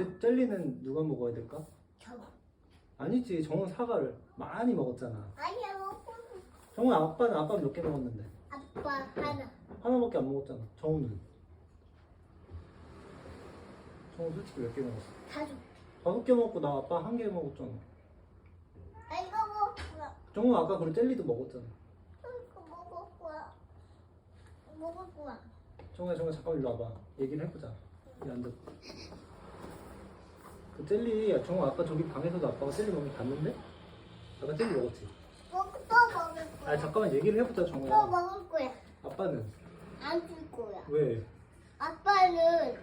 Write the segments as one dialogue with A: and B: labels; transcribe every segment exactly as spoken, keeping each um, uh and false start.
A: 젤리, 젤리는 누가 먹어야 될까?
B: 저.
A: 아니지, 정우 사과를 많이 먹었잖아.
B: 아니야 먹고.
A: 정우 아빠는 아빠 몇 개 먹었는데?
B: 아빠 하나.
A: 하나밖에 안 먹었잖아. 정우는? 정우 솔직히 몇 개 먹었어?
B: 다섯.
A: 다섯 개 먹고 나 아빠 한 개 먹었잖아.
B: 아 이거 먹었구나.
A: 정우 아까 그리고 젤리도 먹었잖아.
B: 이거 먹었구나. 먹었구나.
A: 정우야, 정우 잠깐 일로 와봐. 얘기를 해보자. 이 앉아. 그 젤리, 정우 아까 저기 방에서도 아빠가 젤리 먹는 거 봤는데? 아까 젤리 먹었지?
B: 먹, 또 먹을 거야.
A: 아 잠깐만 얘기를 해보자,
B: 또
A: 정우야.
B: 먹을 거야.
A: 아빠는?
B: 안 줄 거야.
A: 왜?
B: 아빠는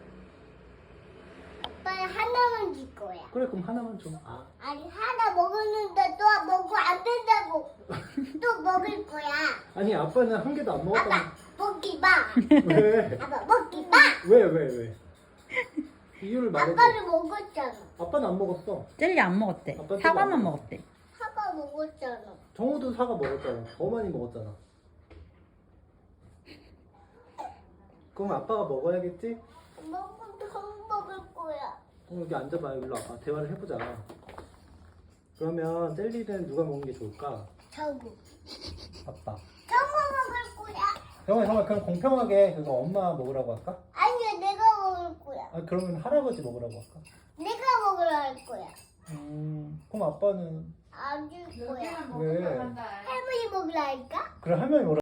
B: 아빠는 하나만 줄 거야.
A: 그래, 그럼 하나만 줘. 아.
B: 아니 하나 먹었는데 또 먹고 안 된다고 또 먹을 거야.
A: 아니 아빠는 한 개도 안 먹었다고.
B: 아빠 먹기 마.
A: 왜?
B: 아빠 먹기 마.
A: 왜, 왜, 왜? 이유를 말해줘.
B: 아빠는 먹었잖아.
A: 아빠는 안 먹었어.
C: 젤리 안 먹었대.
A: 아빠 젤리
C: 사과만
A: 안
C: 먹었대.
B: 사과 먹었잖아.
A: 정우도 사과 먹었잖아. 더 많이 먹었잖아. 그럼 아빠가 먹어야겠지?
B: 먹고 더 먹을 거야.
A: 그럼 여기 앉아봐. 일로 와봐. 대화를 해보자. 그러면 젤리는 누가 먹는 게 좋을까?
B: 저거.
A: 아빠.
B: 저거 먹을 거야.
A: 정말 정말 그럼 공평하게 그거 엄마 먹으라고 할까?
B: 아니야 내가 먹을 거야.
A: 아 그러면 할아버지 먹으라고 할까?
B: 내가 먹으라 할 거야.
A: 음 그럼 아빠는
B: 안 줄 거야.
A: 왜?
B: 할머니 먹으라 할까?
A: 그래 할머니 먹으라.